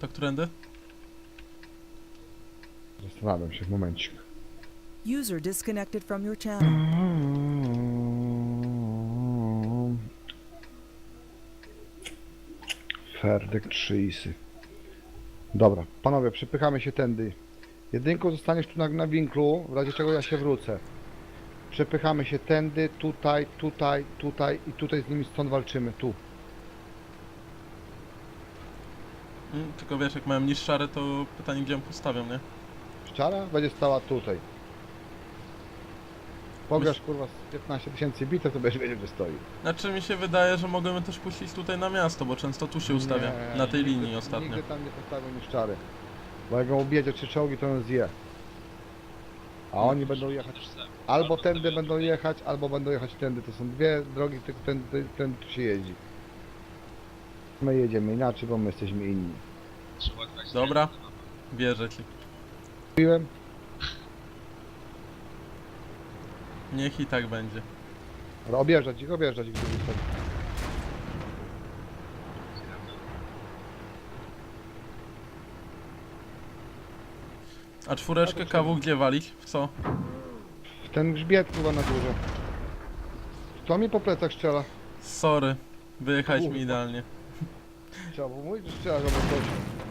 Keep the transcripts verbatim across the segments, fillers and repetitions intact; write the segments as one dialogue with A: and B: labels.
A: To którędy?
B: Zastanawiam się w momencik.
C: User disconnected from your channel.
B: Ferdek trzy isy. Dobra, panowie, przepychamy się tędy. Jedynką zostaniesz tu na, na winklu, w razie czego ja się wrócę. Przepychamy się tędy, tutaj, tutaj, tutaj i tutaj z nimi stąd walczymy, tu.
A: Mm, tylko wiesz, jak mają niższary, to pytanie, gdzie ją postawią, nie?
B: Ściana będzie stała tutaj. Pograsz kurwa z piętnaście tysięcy bitew, to będziesz wiedział, gdzie stoi.
A: Znaczy mi się wydaje, że mogłem też puścić tutaj na miasto, bo często tu się ustawia.
B: Nie,
A: Na tej
B: nigdy,
A: linii ostatnio.
B: Nigdy tam nie postawią niszczary. Bo jak go objedzie trzy czołgi, to on zje. A oni będą jechać. Albo tędy będą jechać, albo będą jechać tędy. To są dwie drogi, tylko ten, ten, ten tu się jeździ. My jedziemy inaczej, bo my jesteśmy inni.
A: Dobra, wierzę ci.
B: Mówiłem?
A: Niech i tak będzie.
B: Ale objeżdżać ich, objeżdżać ich. Gdyby chcą.
A: A czwóreczkę kawu gdzie walić? W co?
B: W ten grzbiet chyba na górze. Kto mi po plecach strzela?
A: Sorry, wyjechać mi
B: Kurwa.
A: idealnie.
B: Trzeba było mówić, że strzela, żeby coś.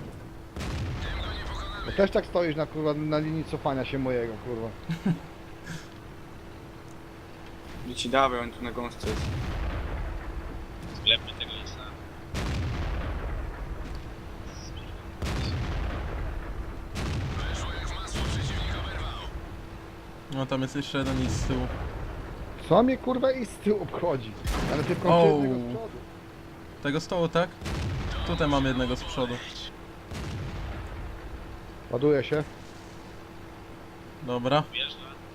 B: Bo też tak stoisz na, kurwa, na linii cofania się mojego, kurwa.
D: Nie ci dawaj, on tu na gąsce jest.
E: Sklepmy tego lisa.
A: No tam jest jeszcze jeden i z tyłu.
B: Co mnie kurwa i z tyłu obchodzi? Ale tylko
A: O.
B: jednego z przodu.
A: Tego stołu, tak? Tutaj mam jednego z przodu.
B: Ładuje się.
A: Dobra.
E: Wjeżdża.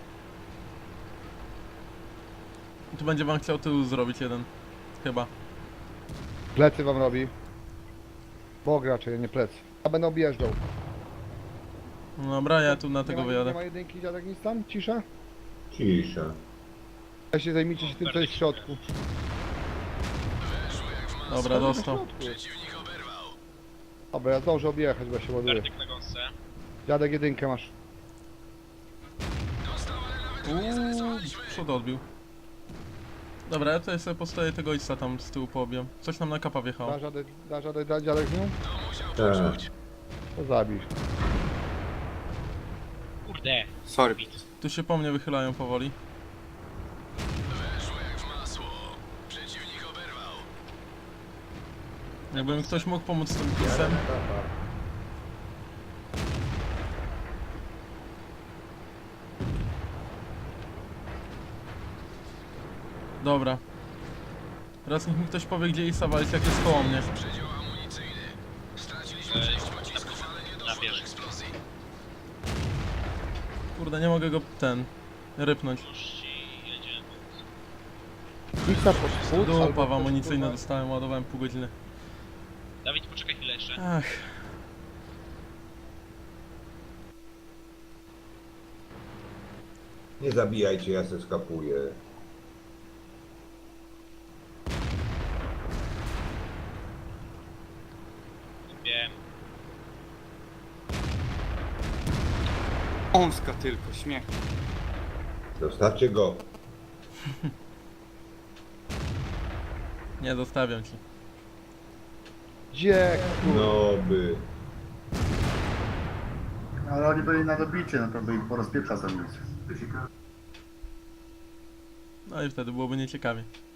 A: Tu będzie wam chciał tył zrobić jeden. Chyba.
B: Plecy wam robi. Bok raczej, nie plecy. Ja będę objeżdżał.
A: No dobra, ja tu na
B: Nie
A: tego
B: ma, nie
A: wyjadę.
B: ma jedynki, dziadek, nic tam? Cisza?
F: Cisza.
B: Ja się zajmijcie się tym, co jest w środku.
A: Dobra, dostał.
B: Dobra, ja zdążę objechać, bo ja się ładuję.
E: Werdyk na gąsce.
B: Dziadek, jedynkę masz.
A: Uuu, przód odbił. Dobra, ja tutaj sobie postoję tego ojca tam z tyłu poobiem. Coś nam na kapa wjechało.
B: Da dziadek, da dziadek, da dziadek z nią?
F: Tak.
B: To zabij.
E: Kurde.
D: Sorry.
A: Tu się po mnie wychylają powoli. Jakby mi ktoś mógł pomóc z tym pisem. Dobra. Teraz niech mi ktoś powie, gdzie Isa walić, jak jest koło mnie.
E: Na wieży.
A: Kurde, nie mogę go ten... rypnąć.
E: Już ci jedzie.
B: Pizza pod spód,
A: Dupa
B: albo
A: w
B: też,
A: amunicyjne
B: kurwa,
A: dostałem, ładowałem pół godziny.
E: Dawid, poczekaj chwilę jeszcze.
A: Ach.
F: Nie zabijajcie, ja se skapuję.
E: Wiem.
D: Ąska tylko, śmiech.
F: Zostawcie go.
A: Nie zostawiam ci.
B: Gdzie?
F: No by.
G: Ale oni byli na dobicie, naprawdę ich po rozpieprza za nic.
A: No i wtedy byłoby nieciekawie.